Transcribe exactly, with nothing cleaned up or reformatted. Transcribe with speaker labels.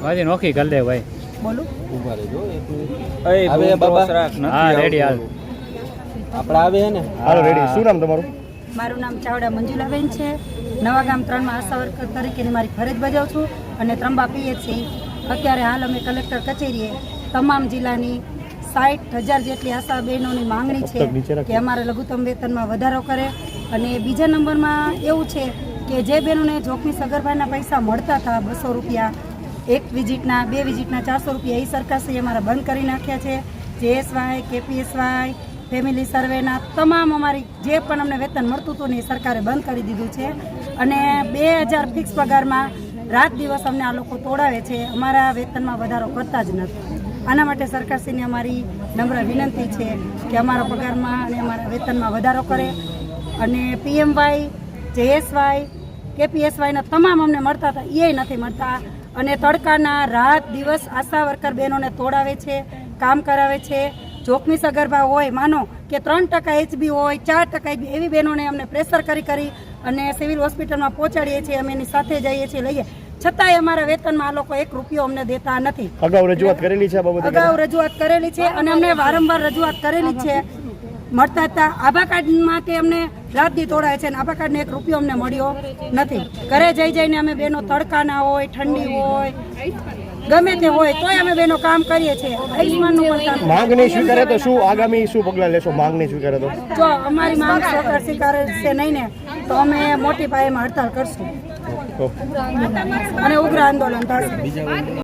Speaker 1: વાજી નોખી કરી દે ભાઈ.
Speaker 2: બોલું
Speaker 3: ઉભા રહેજો
Speaker 1: એ
Speaker 3: હવે બાબા
Speaker 1: હા રેડી હાલ.
Speaker 3: આપણે આવે હે ને
Speaker 4: હાલો રેડી. શું નામ તમારું?
Speaker 2: મારું નામ ચાવડા મંજુલાબેન છે. નવા ગામ ત્રણમાં આશા વર્કર તરીકેની મારી ફરજ બજાવું છું અને ત્રંબા પીએચસી અત્યારે હાલ અમે કલેક્ટર કચેરીએ તમામ જિલ્લાની સાઠ હજાર જેટલી આશા બહેનોની માંગણી છે કે અમારે લઘુત્તમ વેતનમાં વધારો કરે. અને બીજા નંબરમાં એવું છે કે જે બહેનોને જોખમી સગર્ભાના પૈસા મળતા હતા બસો રૂપિયા એક વિઝિટના બે વિઝિટના ચારસો રૂપિયા એ સરકારશ્રીએ અમારા બંધ કરી નાખ્યા છે. જેએસવાય કેપીએસવાય ફેમિલી સર્વેના તમામ અમારી જે પણ અમને વેતન મળતું હતું ને એ સરકારે બંધ કરી દીધું છે. અને બે હજાર ફિક્સ પગારમાં રાત દિવસ અમને આ લોકો તોડાવે છે, અમારા વેતનમાં વધારો કરતા જ નથી. આના માટે સરકારશ્રીને અમારી નમ્ર વિનંતી છે કે અમારા પગારમાં અને અમારા વેતનમાં વધારો કરે. અને પીએમવાય જેએસવાય કેપીએસવાયના તમામ અમને મળતા હતા એ નથી મળતા. અને તડકાના રાત દિવસ આશા વર્કર બહેનોને તોડાવે છે, કામ કરાવે છે. જોખમી સગર્ભા હોય, માનો કે ત્રણ ટકા એચબી હોય, ચાર ટકા એચબી, એવી બહેનોને અમને પ્રેશર કરી કરી અને સિવિલ હોસ્પિટલમાં પહોંચાડીએ છીએ. અમે એની સાથે જઈએ છીએ, લઈએ, છતાંય અમારા વેતનમાં આ લોકો એક રૂપિયો અમને દેતા નથી.
Speaker 4: અગાઉ રજૂઆત કરેલી છે આ બાબતે?
Speaker 2: અગાઉ રજૂઆત કરેલી છે અને અમને વારંવાર રજૂઆત કરેલી છે. મળતા હતા આભા કાર્ડમાં તે અમને રાતથી તોડાય છે અને આભા કાર્ડને એક રૂપિયો અમને મળ્યો નથી. ઘરે જઈ જઈને અમે બહેનો તડકાના હોય, ઠંડી હોય, ગમે તે હોય તોય અમે બેનો કામ કરીએ છીએ. આયુષ્માનનું પણ કામ.
Speaker 4: માંગ નહીં સ્વીકારે તો શું આગામી શું પગલાં લેશો? માંગ નહીં સ્વીકારે તો
Speaker 2: જો અમારી માંગ સરકાર સ્વીકારે છે નહીં ને તો અમે મોટી પાયેમાં હડતાલ કરશું અને ઉગ્ર આંદોલન થશે.